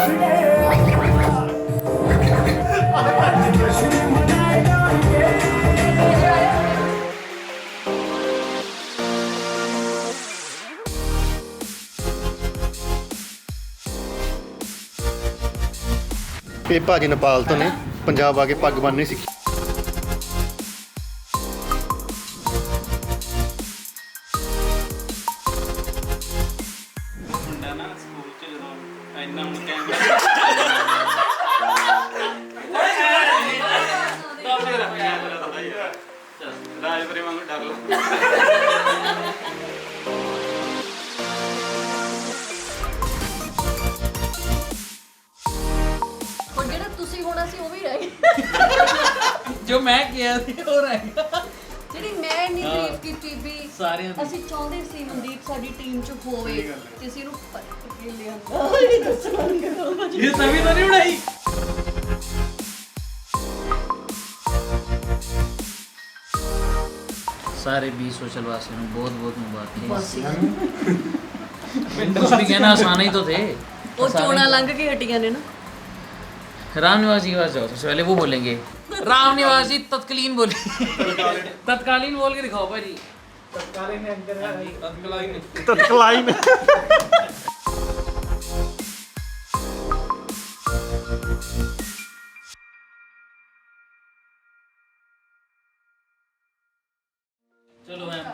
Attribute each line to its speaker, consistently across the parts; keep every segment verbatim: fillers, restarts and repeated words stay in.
Speaker 1: ਇਹ ਭਾਜੀ ਨੇਪਾਲ ਤੋਂ ਨੇ, ਪੰਜਾਬ ਆ ਕੇ ਪੱਗ ਬੰਨ੍ਹਣੀ ਸਿੱਖੀ।
Speaker 2: ਮੁੰਡਾ ਨਾ ਸਕੂਲ ਚ ਜਦੋਂ ਇੰਨਾ ਹੁਣ ਕੈਮਰਾ ਤਾਂ ਮੇਰਾ ਕੈਮਰਾ ਤਾਂ ਯਾਰ ਰਾਜਪੁਰੇ ਵਾਂਗੂ ਡਰ ਲਾ।
Speaker 3: ਹੁਣ ਜਿਹੜਾ ਤੁਸੀਂ ਹੋਣਾ ਸੀ ਉਹ ਵੀ ਰਹਿ ਗਿਆ
Speaker 4: ਜੋ ਮੈਂ ਕਿਹਾ ਸੀ ਉਹ ਰਹਿ ਗਿਆ।
Speaker 3: ਜਿਹੜੀ ਮੈਂ ਇੰਨੀ ਤਾਰੀਫ ਕੀਤੀ ਵੀ
Speaker 4: ਸਾਰਿਆਂ ਦੀ।
Speaker 3: ਅਸੀਂ ਚਾਹੁੰਦੇ ਸੀ ਮਨਦੀਪ ਸਾਡੀ ਟੀਮ ਚ ਹੋਵੇ ਤੇ ਅਸੀਂ ਇਹਨੂੰ ਪੱਟ ਕੇ ਲਿਆਂਦਾ ਇਹ ਦੱਸਣਾ ਨਹੀਂ ਕਰਦਾ
Speaker 4: ਇਹ ਤਵੀ ਤਾਂ ਨਹੀਂ ਉਡਾਈ। ਸਾਰੇ ਬੀ ਸੋਸ਼ਲ ਵਾसियों ਨੂੰ ਬਹੁਤ ਬਹੁਤ ਮੁਬਾਰਕਾਂ। कुछ भी कहना आसान ही तो थे।
Speaker 3: ਉਹ ਚੋਣਾ ਲੰਘ ਕੇ ਹਟੀਆਂ ਨੇ ਨਾ।
Speaker 4: राम निवास जी के पास जाओ, सबसे पहले वो बोलेंगे। राम निवास जी तत्कालीन बोले। तत्कालीन बोल के दिखाओ भाई। तत्कालीन तत्कालीन
Speaker 1: ਤਤਕਲਾਈ ਨੇ
Speaker 4: चलो मैम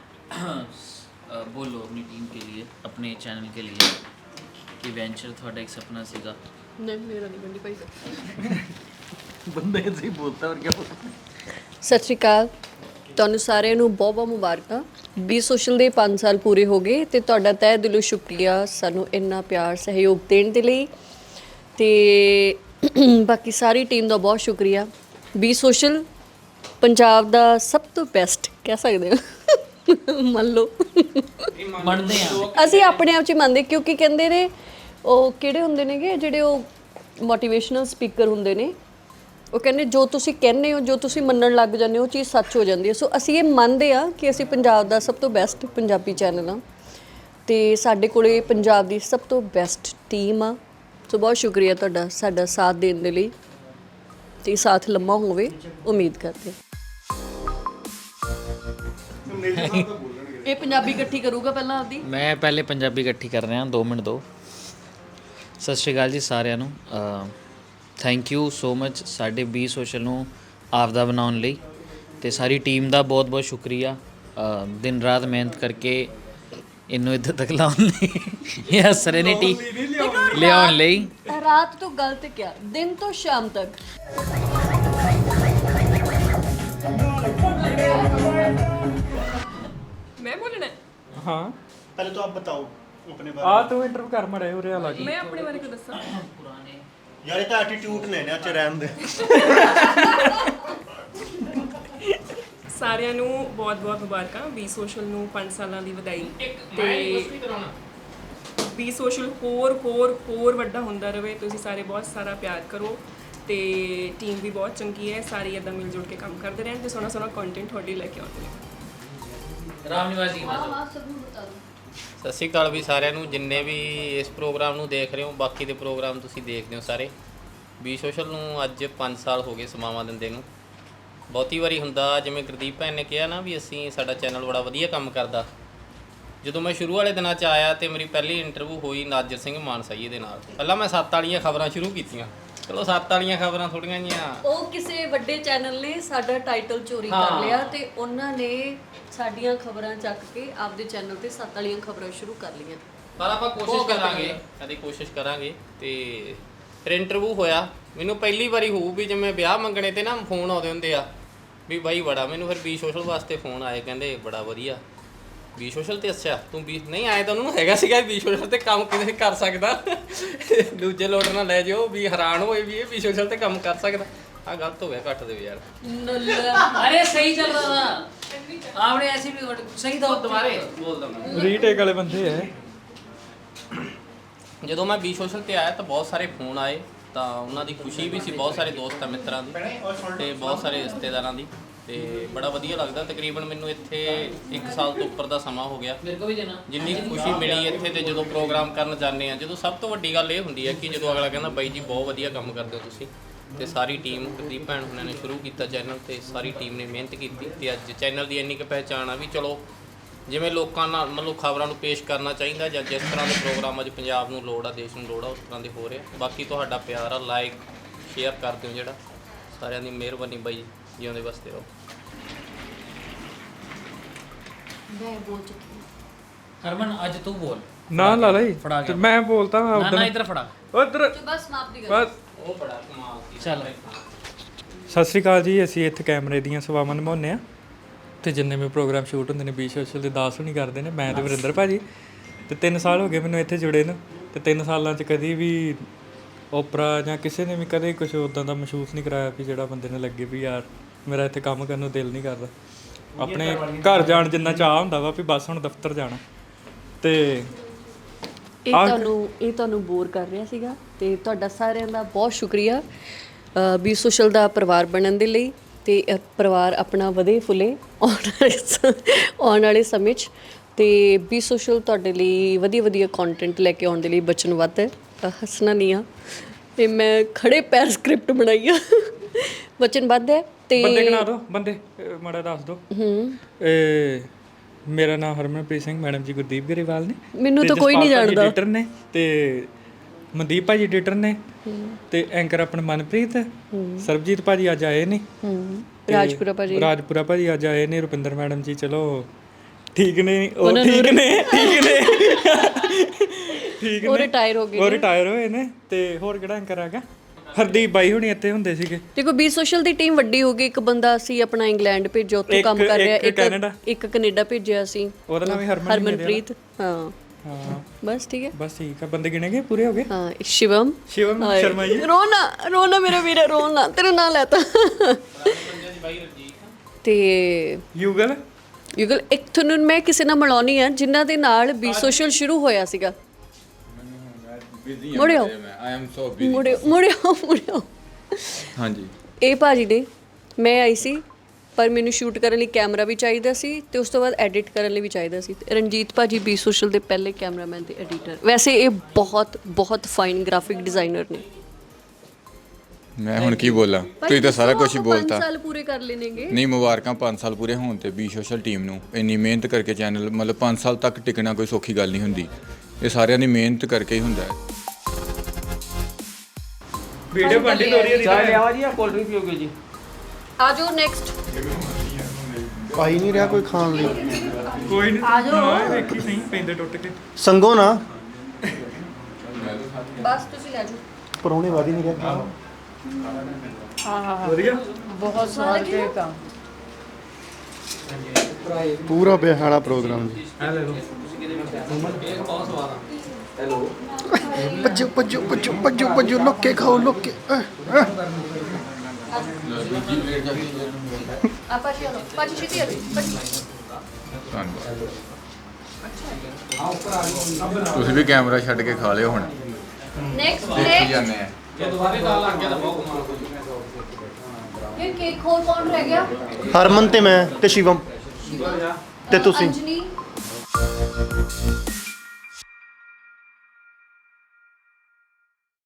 Speaker 4: बोलो अपनी टीम के लिए, अपने चैनल के लिए कि वेंचर थोड़ा एक सपना सीगा।
Speaker 3: ਨਹੀਂ ਮੇਰਾ ਨਹੀਂ ਬੰਦੀ ਭਾਈ
Speaker 4: बंदे ऐसे ही बोलता है और क्या बोलता है।
Speaker 3: ਸਤਿ ਸ਼੍ਰੀ ਅਕਾਲ ਤੁਹਾਨੂੰ ਸਾਰਿਆਂ ਨੂੰ ਬਹੁਤ ਬਹੁਤ ਮੁਬਾਰਕਾਂ। ਬੀ ਸੋਸ਼ਲ ਦੇ ਪੰਜ ਸਾਲ ਪੂਰੇ ਹੋ ਗਏ ਤੇ ਤੁਹਾਡਾ ਤਹਿ ਦਿਲੋਂ ਸ਼ੁਕਰੀਆ ਸਾਨੂੰ ਇੰਨਾ ਪਿਆਰ ਸਹਿਯੋਗ ਦੇਣ ਦੇ ਲਈ ਤੇ ਬਾਕੀ ਸਾਰੀ ਟੀਮ ਦਾ ਬਹੁਤ ਸ਼ੁਕਰੀਆ। ਬੀ ਸੋਸ਼ਲ ਪੰਜਾਬ ਦਾ ਸਭ ਤੋਂ ਬੈਸਟ ਕਹਿ ਸਕਦੇ ਹੋ ਮੰਨ ਲਓ
Speaker 4: ਮੰਨਦੇ ਆ
Speaker 3: ਅਸੀਂ ਆਪਣੇ ਆਪ 'ਚ ਹੀ ਮੰਨਦੇ ਕਿਉਂਕਿ ਕਹਿੰਦੇ ਨੇ ਉਹ ਕਿਹੜੇ ਹੁੰਦੇ ਨੇਗੇ ਜਿਹੜੇ ਉਹ ਮੋਟੀਵੇਸ਼ਨਲ ਸਪੀਕਰ ਹੁੰਦੇ ਨੇ ਉਹ ਕਹਿੰਦੇ ਜੋ ਤੁਸੀਂ ਕਹਿੰਦੇ ਹੋ ਜੋ ਤੁਸੀਂ ਮੰਨਣ ਲੱਗ ਜਾਂਦੇ ਹੋ ਉਹ ਚੀਜ਼ ਸੱਚ ਹੋ ਜਾਂਦੀ ਹੈ। ਸੋ ਅਸੀਂ ਇਹ ਮੰਨਦੇ ਆ ਕਿ ਅਸੀਂ ਪੰਜਾਬ ਦਾ ਸਭ ਤੋਂ ਬੈਸਟ ਪੰਜਾਬੀ ਚੈਨਲ ਆ ਤੇ ਸਾਡੇ ਕੋਲੇ ਪੰਜਾਬ ਦੀ ਸਭ ਤੋਂ ਬੈਸਟ ਟੀਮ ਆ। ਸੋ ਬਹੁਤ ਸ਼ੁਕਰੀਆ ਤੁਹਾਡਾ ਸਾਡਾ ਸਾਥ ਦੇਣ ਦੇ ਲਈ ਤੇ ਸਾਥ ਲੰਮਾ ਹੋਵੇ ਉਮੀਦ ਕਰਦੇ। ਇਹ ਪੰਜਾਬੀ ਇਕੱਠੀ ਕਰੂਗਾ ਪਹਿਲਾਂ ਆਪਦੀ।
Speaker 4: ਮੈਂ ਪਹਿਲੇ ਪੰਜਾਬੀ ਇਕੱਠੀ ਕਰ ਰਿਹਾ ਦੋ ਮਿੰਟ ਦੋ। ਸਤਿ ਸ਼੍ਰੀ ਅਕਾਲ ਜੀ ਸਾਰਿਆਂ ਨੂੰ। ਥੈਂਕ ਯੂ ਸੋ ਮਚ ਸਾਡੇ ਬੀ ਸੋਸ਼ਲ ਨੂੰ ਆਪਦਾ ਬਣਾਉਣ ਲਈ ਤੇ ਸਾਰੀ ਟੀਮ ਦਾ ਬਹੁਤ ਬਹੁਤ ਸ਼ੁਕਰੀਆ। ਦਿਨ ਰਾਤ ਮਿਹਨਤ ਕਰਕੇ ਇਹਨੂੰ ਇੱਥੇ ਤੱਕ ਲਾਉਣ ਲਈ ਇਹ ਸੈਰੇਨਿਟੀ ਲਿਆਉਣ ਲਈ।
Speaker 3: ਰਾਤ ਤੋਂ ਗਲਤ ਕਿਹਾ ਦਿਨ ਤੋਂ ਸ਼ਾਮ ਤੱਕ। मैं बोलना है
Speaker 5: हाँ
Speaker 1: ਪਹਿਲੇ तो आप बताओ अपने
Speaker 5: आ
Speaker 1: बारे
Speaker 5: तू इंटरव्यू कर मड़े उरे अलग
Speaker 3: मैं अपने बारे को दसा
Speaker 4: ਪੁਰਾਣੇ
Speaker 1: में यार ये तो एटीट्यूड ने ना च रहन दे।
Speaker 6: ਸਾਰਿਆਂ ਨੂੰ ਬਹੁਤ-ਬਹੁਤ ਮੁਬਾਰਕਾਂ। ਬੀ ਸੋਸ਼ਲ ਨੂੰ ਪੰਜ ਸਾਲਾਂ ਦੀ ਵਧਾਈ ਤੇ ਬੀ ਸੋਸ਼ਲ ਹੋਰ ਹੋਰ ਹੋਰ ਵੱਡਾ ਹੁੰਦਾ ਰਹੇ। ਤੁਸੀਂ ਸਾਰੇ ਬਹੁਤ ਸਾਰਾ ਪਿਆਰ ਕਰੋ ਤੇ ਟੀਮ ਵੀ ਬਹੁਤ ਚੰਗੀ ਹੈ। ਸਾਰੇ ਇਦਾਂ ਮਿਲ ਜੁਲ ਕੇ ਕੰਮ ਕਰਦੇ ਰਹਿਣ ਤੇ ਸੋਹਣਾ ਸੋਹਣਾ ਕੰਟੈਂਟ ਤੁਹਾਡੇ ਲੈ ਕੇ ਆਉਂਦੇ ਨੇ।
Speaker 4: ਰਾਮ ਨਿਵਾਸ ਜੀ
Speaker 3: हाँ हाँ सबू बता दो।
Speaker 2: ਸਤਿ ਸ਼੍ਰੀ ਅਕਾਲ ਵੀ ਸਾਰਿਆਂ ਨੂੰ ਜਿੰਨੇ ਵੀ ਇਸ ਪ੍ਰੋਗਰਾਮ ਨੂੰ ਦੇਖ ਰਹੇ ਹੋ, ਬਾਕੀ ਦੇ ਪ੍ਰੋਗਰਾਮ ਤੁਸੀਂ ਦੇਖਦੇ ਹੋ ਸਾਰੇ। ਬੀ ਸੋਸ਼ਲ ਨੂੰ ਅੱਜ ਪੰਜ ਸਾਲ ਹੋ ਗਏ ਸਮਾਵਾਂ ਦਿੰਦੇ ਨੂੰ। ਬਹੁਤੀ ਵਾਰੀ ਹੁੰਦਾ ਜਿਵੇਂ ਗੁਰਦੀਪ ਭੈਣ ਨੇ ਕਿਹਾ ਨਾ ਵੀ ਅਸੀਂ ਸਾਡਾ ਚੈਨਲ ਬੜਾ ਵਧੀਆ ਕੰਮ ਕਰਦਾ। ਜਦੋਂ ਮੈਂ ਸ਼ੁਰੂ ਵਾਲੇ ਦਿਨਾਂ 'ਚ ਆਇਆ ਤੇ ਮੇਰੀ ਪਹਿਲੀ ਇੰਟਰਵਿਊ ਹੋਈ ਨਾਜਰ ਸਿੰਘ ਮਾਨਸਾਈ ਦੇ ਨਾਲ। ਪਹਿਲਾਂ ਮੈਂ ਸੱਤ ਵਾਲੀਆਂ ਖਬਰਾਂ ਸ਼ੁਰੂ ਕੀਤੀਆਂ। ਚਲੋ ਸੱਤ ਵਾਲੀਆਂ ਖਬਰਾਂ ਥੋੜੀਆਂ ਜੀਆਂ
Speaker 3: ਉਹ ਕਿਸੇ ਵੱਡੇ ਚੈਨਲ ਨੇ ਸਾਡਾ ਟਾਈਟਲ ਚੋਰੀ ਕਰ ਲਿਆ ਤੇ ਉਹਨਾਂ ਨੇ ਸਾਡੀਆਂ ਖਬਰਾਂ ਚੱਕ ਕੇ ਆਪਦੇ ਚੈਨਲ ਤੇ ਸੱਤ ਵਾਲੀਆਂ ਖਬਰਾਂ ਸ਼ੁਰੂ ਕਰ ਲਈਆਂ।
Speaker 2: ਪਰ ਆਪਾਂ ਕੋਸ਼ਿਸ਼ ਕਰਾਂਗੇ ਕਦੀ ਕੋਸ਼ਿਸ਼ ਕਰਾਂਗੇ। ਤੇ ਫਿਰ ਇੰਟਰਵਿਊ ਹੋਇਆ। ਮੈਨੂੰ ਪਹਿਲੀ ਵਾਰੀ ਹੋਊ ਵੀ ਜਿਵੇਂ ਵਿਆਹ ਮੰਗਣੇ ਤੇ ਨਾ ਫੋਨ ਆਉਂਦੇ ਹੁੰਦੇ ਆ ਵੀ ਬਾਈ ਬੜਾ। ਮੈਨੂੰ ਫਿਰ ਬੀ ਸੋਸ਼ਲ ਵਾਸਤੇ ਫੋਨ ਆਏ, ਕਹਿੰਦੇ ਬੜਾ ਵਧੀਆ ਬੀ ਸੋਸ਼ਲ ਤੇ। ਅੱਛਾ ਤੂੰ ਵੀ ਨਹੀਂ ਆਏ ਤਾਂ ਉਹਨੂੰ ਹੈਗਾ ਸੀਗਾ ਬੀ ਸੋਸ਼ਲ ਤੇ ਕੰਮ ਕਿਵੇਂ ਕਰ ਸਕਦਾ। ਦੂਜੇ ਲੋਟ ਨਾਲ ਲੈ ਜਾਓ ਵੀ ਹੈਰਾਨ ਹੋਏ ਵੀ ਇਹ ਬੀ ਸੋਸ਼ਲ ਤੇ ਕੰਮ ਕਰ ਸਕਦਾ। ਆ ਗਲਤ ਹੋ ਗਿਆ, ਕੱਟ ਦਿਓ ਯਾਰ।
Speaker 4: अरे सही चल रहा था आपने ऐसे भी सही था तुम्हारे बोल दो मैं।
Speaker 5: रीटेक वाले बंदे है।
Speaker 2: ਜਦੋਂ ਮੈਂ ਬੀ ਸੋਸ਼ਲ ਤੇ ਆਇਆ ਤਾਂ ਬਹੁਤ ਸਾਰੇ ਫੋਨ ਆਏ ਤਾਂ ਉਹਨਾਂ ਦੀ ਖੁਸ਼ੀ ਵੀ ਸੀ, ਬਹੁਤ ਸਾਰੇ ਦੋਸਤਾਂ ਮਿੱਤਰਾਂ ਦੀ ਤੇ ਬਹੁਤ ਸਾਰੇ ਰਿਸ਼ਤੇਦਾਰਾਂ ਦੀ। ਤੇ ਬੜਾ ਵਧੀਆ ਲੱਗਦਾ। ਤਕਰੀਬਨ ਮੈਨੂੰ ਇੱਥੇ ਇੱਕ ਸਾਲ ਤੋਂ ਉੱਪਰ ਦਾ ਸਮਾਂ ਹੋ ਗਿਆ। ਮੇਰੇ ਕੋ ਵੀ ਦੇਣਾ ਜਿੰਨੀ ਕੁ ਖੁਸ਼ੀ ਮਿਲੀ ਇੱਥੇ ਤੇ ਜਦੋਂ ਪ੍ਰੋਗਰਾਮ ਕਰਨ ਜਾਂਦੇ ਆ, ਜਦੋਂ ਸਭ ਤੋਂ ਵੱਡੀ ਗੱਲ ਇਹ ਹੁੰਦੀ ਹੈ ਕਿ ਜਦੋਂ ਅਗਲਾ ਕਹਿੰਦਾ ਬਾਈ ਜੀ ਬਹੁਤ ਵਧੀਆ ਕੰਮ ਕਰਦੇ ਹੋ ਤੁਸੀਂ, ਤੇ ਸਾਰੀ ਟੀਮ ਕੁਲਦੀਪ ਭੈਣ ਹੁਣਾਂ ਨੇ ਸ਼ੁਰੂ ਕੀਤਾ ਚੈਨਲ ਤੇ ਸਾਰੀ ਟੀਮ ਨੇ ਮਿਹਨਤ ਕੀਤੀ ਤੇ ਅੱਜ ਚੈਨਲ ਦੀ ਇੰਨੀ ਕੁ ਪਹਿਚਾਣ ਆ ਵੀ ਚਲੋ ਜਿਵੇਂ ਲੋਕਾਂ ਨਾਲ ਮਤਲਬ ਖਬਰਾਂ ਨੂੰ ਪੇਸ਼ ਕਰਨਾ ਚਾਹੀਦਾ ਜਾਂ ਜਿਸ ਤਰ੍ਹਾਂ ਦੇ ਪ੍ਰੋਗਰਾਮ ਅੱਜ ਪੰਜਾਬ ਨੂੰ ਲੋੜ ਆ, ਦੇਸ਼ ਨੂੰ ਲੋੜ ਆ, ਉਸ ਤਰ੍ਹਾਂ ਦੇ ਹੋ ਰਿਹਾ। ਬਾਕੀ ਤੁਹਾਡਾ ਪਿਆਰ ਆ, ਲਾਈਕ ਸ਼ੇਅਰ ਕਰ ਦਿਓ ਜਿਹੜਾ, ਸਾਰਿਆਂ ਦੀ ਮਿਹਰਬਾਨੀ ਬਾਈ, ਜਿਉਂਦੇ ਵਸਦੇ ਰਹੋ।
Speaker 3: ਮੈਂ ਬੋਲ ਚੁੱਕੀ ਹਾਂ।
Speaker 4: ਹਰਮਨ ਅੱਜ ਤੂੰ ਬੋਲ।
Speaker 5: ਨਾ ਲਾ ਲਈ
Speaker 4: ਫੜਾ
Speaker 5: ਤੇ
Speaker 4: ਗਿਆ।
Speaker 5: ਮੈਂ ਬੋਲਤਾ
Speaker 4: ਨਾ ਨਾ
Speaker 5: ਉਧਰ
Speaker 4: ਇੱਧਰ ਫੜਾ।
Speaker 5: ਉਧਰ
Speaker 3: ਬਸ ਸਮਾਪਤੀ ਕਰੋ।
Speaker 5: ਬਸ।
Speaker 2: ਉਹ ਬੜਾ ਕਮਾਲ ਸੀ।
Speaker 4: ਚੱਲ
Speaker 5: ਸਤਿ ਸ਼੍ਰੀ ਅਕਾਲ ਜੀ। ਅਸੀਂ ਇੱਥੇ ਕੈਮਰੇ ਦੀਆਂ ਸੇਵਾਵਾਂ ਨਿਭਾਉਂਦੇ ਆ ਤੇ ਜਿੰਨੇ ਵੀ ਪ੍ਰੋਗਰਾਮ ਸ਼ੂਟ ਹੁੰਦੇ ਨੇ ਬੀ ਸੋਸ਼ਲ ਦੇ ਦਾਸ ਹੁਣੀ ਕਰਦੇ ਨੇ, ਮੈਂ ਤੇ ਵਰਿੰਦਰ ਭਾਜੀ। ਤੇ ਤਿੰਨ ਸਾਲ ਹੋ ਗਏ ਮੈਨੂੰ ਇੱਥੇ ਜੁੜੇ ਨੂੰ ਤੇ ਤਿੰਨ ਸਾਲਾਂ 'ਚ ਕਦੀ ਵੀ ਓਪਰਾ ਜਾਂ ਕਿਸੇ ਨੇ ਵੀ ਕਦੇ ਕੁਝ ਉੱਦਾਂ ਦਾ ਮਹਿਸੂਸ ਨਹੀਂ ਕਰਾਇਆ ਵੀ ਜਿਹੜਾ ਬੰਦੇ ਨੂੰ ਲੱਗੇ ਵੀ ਯਾਰ ਮੇਰਾ ਇੱਥੇ ਕੰਮ ਕਰਨ ਨੂੰ ਦਿਲ ਨਹੀਂ ਕਰਦਾ। ਆਪਣੇ ਘਰ ਜਾਣ ਜਿੰਨਾ ਚਾਹ ਹੁੰਦਾ ਵਾ ਵੀ ਬਸ ਹੁਣ ਦਫ਼ਤਰ ਜਾਣਾ। ਤੇ
Speaker 3: ਇਹ ਤੁਹਾਨੂੰ ਇਹ ਤੁਹਾਨੂੰ ਬੋਰ ਕਰ ਰਿਹਾ ਸੀਗਾ ਤੇ ਤੁਹਾਡਾ ਸਾਰਿਆਂ ਦਾ ਬਹੁਤ ਸ਼ੁਕਰੀਆ ਬੀ ਸੋਸ਼ਲ ਦਾ ਪਰਿਵਾਰ ਬਣਨ ਦੇ ਲਈ ਤੇ ਇਹ ਪਰਿਵਾਰ ਆਪਣਾ ਵਧੇ ਫੁੱਲੇ ਆਉਣ ਵਾਲੇ ਸ- ਆਉਣ ਵਾਲੇ ਸਮੇਂ 'ਚ। ਤੇ ਬੀ ਸੋਸ਼ਲ ਤੁਹਾਡੇ ਲਈ ਵਧੀਆ ਵਧੀਆ ਕੰਟੈਂਟ ਲੈ ਕੇ ਆਉਣ ਦੇ ਲਈ ਵਚਨਬੱਧ ਹੈ। ਅ, ਹੱਸਣਾ ਨਹੀਂ ਆ ਤੇ ਮੈਂ ਖੜੇ ਪੈਰ ਸਕ੍ਰਿਪਟ ਬਣਾਈ ਆ, ਵਚਨਬੱਧ ਹੈ। ਤੇ
Speaker 5: ਬੰਦੇ ਗਿਣਾ ਦਿਓ, ਬੰਦੇ ਅਹ ਮਾੜਾ ਦੱਸ ਦਿਓ।
Speaker 3: ਹੂੰ
Speaker 5: ਇਹ ਮੇਰਾ ਨਾਮ ਹਰਮਨਪ੍ਰੀਤ ਸਿੰਘ, ਮੈਡਮ ਜੀ ਗੁਰਦੀਪ ਗਰੇਵਾਲ ਨੇ।
Speaker 3: ਮੈਨੂੰ
Speaker 5: ਤੇ
Speaker 3: ਤਾਂ ਕੋਈ ਨਹੀਂ
Speaker 5: ਜਸਪਾਲ ਭਾਜੀ
Speaker 3: ਜਾਣਦਾ।
Speaker 5: ਐਡੀਟਰ ਨੇ ਤੇ ਮਨਦੀਪ ਭਾਜੀ ਐਡੀਟਰ ਨੇ ਤੇ ਐਂਕਰ ਆਪਣਾ ਮਨਪ੍ਰੀਤ, ਸਰਬਜੀਤ ਭਾਜੀ ਅੱਜ ਆਏ ਨੇ।
Speaker 3: ਹੂੰ
Speaker 5: ਤੇ
Speaker 3: ਰਾਜਪੁਰਾ ਭਾਜੀ
Speaker 5: ਰਾਜਪੁਰਾ ਭਾਜੀ ਅੱਜ ਆਏ ਨੇ। ਰੁਪਿੰਦਰ ਮੈਡਮ ਜੀ ਚਲੋ ਠੀਕ ਨੇ, ਉਹ ਠੀਕ ਨੇ ਠੀਕ ਨੇ ਠੀਕ
Speaker 3: ਉਹ
Speaker 5: ਨੇ,
Speaker 3: ਰਿਟਾਇਰ ਹੋ ਗਏ
Speaker 5: ਉਹ ਰਿਟਾਇਰ ਹੋਏ ਨੇ। ਤੇ ਹੋਰ ਕਿਹੜਾ ਐਂਕਰ ਆ ਗਿਆ? ਹਰਦੀਪ ਬਾਈ ਹੁਣੀ ਇੱਥੇ ਹੁੰਦੇ ਸੀਗੇ।
Speaker 3: ਦੇਖੋ ਬੀ ਸੋਸ਼ਲ ਦੀ ਟੀਮ ਵੱਡੀ ਹੋ ਗਈ। ਇੱਕ ਬੰਦਾ ਸੀ ਆਪਣਾ ਇੰਗਲੈਂਡ ਭੇਜਿਆ, ਉੱਥੋਂ ਕੰਮ ਕਰ ਰਿਹਾ।
Speaker 5: ਇੱਕ ਕੈਨੇਡਾ।
Speaker 3: ਇੱਕ ਕੈਨੇਡਾ ਭੇਜਿਆ ਸੀ,
Speaker 5: ਉਹਦਾ ਨਾਮ ਵੀ ਹਰਮਨ
Speaker 3: ਹਰਮਨਪ੍ਰੀਤ। ਹਾਂ
Speaker 5: ਹਾਂ
Speaker 3: ਬਸ ਠੀਕ ਹੈ।
Speaker 5: ਬਸ ਠੀਕ ਆ, ਬੰਦੇ ਗਿਣੇ ਗਏ, ਪੂਰੇ ਹੋ ਗਏ।
Speaker 3: ਹਾਂ ਸ਼ਿਵਮ
Speaker 5: ਸ਼ਿਵਮ
Speaker 3: ਹਾਏ।
Speaker 5: ਸ਼ਰਮਾ ਜੀ।
Speaker 3: ਰੋਣਾ ਰੋਣਾ ਮੇਰਾ ਵੀਰ ਰੋਣਾ, ਤੇਰਾ ਨਾਂ ਲੈਤਾ। ਤੇ
Speaker 5: ਯੂਗਲ
Speaker 3: ਯੂਗਲ ਇੱਕ ਤੁਹਾਨੂੰ ਮੈਂ ਕਿਸੇ ਨਾਲ ਮਿਲਾਉਣੀ ਆ ਜਿਨ੍ਹਾਂ ਦੇ ਨਾਲ ਬੀ ਸੋਸ਼ਲ ਸ਼ੁਰੂ ਹੋਇਆ ਸੀਗਾ। ਮੁੜਿਓ
Speaker 7: ਆਈ ਐਮ ਸੋ ਬਿਜ਼ੀ।
Speaker 3: ਮੁੜਿਓ ਮੁੜਿਓ ਮੁੜਿਓ
Speaker 7: ਹਾਂਜੀ
Speaker 3: ਇਹ ਭਾਜੀ ਨੇ, ਮੈਂ ਆਈ ਸੀ ਪਰ ਮੈਨੂੰ ਸ਼ੂਟ ਕਰਨ ਲਈ ਕੈਮਰਾ ਵੀ ਚਾਹੀਦਾ ਸੀ ਤੇ ਉਸ ਤੋਂ ਬਾਅਦ ਐਡਿਟ ਕਰਨ ਲਈ ਵੀ ਚਾਹੀਦਾ ਸੀ। ਤੇ ਰਣਜੀਤ ਭਾਜੀ ਬੀ ਸੋਸ਼ਲ ਦੇ ਪਹਿਲੇ ਕੈਮਰਾਮੈਨ ਤੇ ਐਡੀਟਰ। ਵੈਸੇ ਇਹ ਬਹੁਤ ਬਹੁਤ ਫਾਈਨ ਗ੍ਰਾਫਿਕ ਡਿਜ਼ਾਈਨਰ ਨੇ।
Speaker 7: ਮੈਂ ਹੁਣ ਕੀ ਬੋਲਾਂ, ਤੁਸੀਂ ਤਾਂ ਸਾਰਾ ਕੁਝ ਹੀ ਬੋਲਤਾ।
Speaker 3: ਪੰਜ ਸਾਲ ਪੂਰੇ ਕਰ ਲੈਣਗੇ।
Speaker 7: ਨਹੀਂ, ਮੁਬਾਰਕਾਂ ਪੰਜ ਸਾਲ ਪੂਰੇ ਹੋਣ ਤੇ ਬੀ ਸੋਸ਼ਲ ਟੀਮ ਨੂੰ। ਇੰਨੀ ਮਿਹਨਤ ਕਰਕੇ ਚੈਨਲ ਮਤਲਬ ਪੰਜ ਸਾਲ ਤੱਕ ਟਿਕਣਾ ਕੋਈ ਸੌਖੀ ਗੱਲ ਨਹੀਂ ਹੁੰਦੀ। ਇਹ ਸਾਰਿਆਂ ਦੀ ਮਿਹਨਤ ਕਰਕੇ ਹੀ ਹੁੰਦਾ ਹੈ।
Speaker 5: ਵੀਡੀਓ ਬੰਦੀ ਤੋਰੀ ਦੀ
Speaker 2: ਚਾਹ ਲਿਆਵਾ ਜੀ ਜਾਂ ਕੋਲਡ ਡਰਿੰਕ ਪੀਓਗੇ ਜੀ?
Speaker 3: ਆ ਜਾਓ ਨੈਕਸਟ।
Speaker 1: ਆਈ ਨਹੀਂ ਰਿਹਾ ਕੋਈ ਖਾਣ ਲਈ।
Speaker 5: ਕੋਈ ਨਹੀਂ ਆ ਜਾਓ। ਵੇਖੀ ਸਹੀ ਪੈਂਦੇ ਟੁੱਟ ਕੇ।
Speaker 1: ਸੰਗੋ ਨਾ
Speaker 3: ਬਸ ਤੁਸੀਂ ਲੈ ਜਾਓ।
Speaker 1: ਪਰੌਣੇ ਵਾਦੀ ਨਹੀਂ ਰਿਹਾ।
Speaker 5: ਵਧੀਆ
Speaker 3: ਬਹੁਤ ਸਵਾਦ ਕੇਕ ਆ।
Speaker 1: ਪੂਰਾ ਬਿਹਾੜਾ ਪ੍ਰੋਗਰਾਮ ਜੀ।
Speaker 5: ਆ ਲੈ ਲਓ।
Speaker 2: ਬਹੁਤ ਸਵਾਦ ਆ।
Speaker 1: ਭੱਜੋ ਭੱਜੋ ਭੱਜੋ ਭੱਜੋ ਭੱਜੋ, ਲੁੱਕ ਕੇ ਖਾਓ, ਲੁੱਕ ਕੇ। ਅਹ, ਅਹ।
Speaker 3: ਆਪਾਂ ਚਲੋ ਪਾਜੀ ਛੇਤੀ ਆ ਪਾਜੀ।
Speaker 7: ਧੰਨਵਾਦ। ਤੁਸੀਂ ਵੀ ਕੈਮਰਾ ਛੱਡ ਕੇ ਖਾ ਲਿਓ ਹੁਣ।
Speaker 3: ਨੈਕਸਟ
Speaker 7: ਦੇਖੀ
Speaker 3: ਨੈਕਸਟ
Speaker 7: ਜਾਂਦੇ ਆ।
Speaker 2: ਜੇ ਦੁਬਾਰੇ ਤਾਂ ਲੱਗ ਗਿਆ ਤਾਂ ਬਹੁਤ ਕਮਾਲ ਹੋ ਜੂਗਾ।
Speaker 3: ਇਹ ਕੇਕ ਹੋਰ ਕੌਣ ਰਹਿ ਗਿਆ?
Speaker 1: ਹਰਮਨ ਤੇ ਮੈਂ ਤੇ ਸ਼ਿਵਮ ਤੇ ਤੁਸੀਂ।
Speaker 3: ਅੰਜਨੀ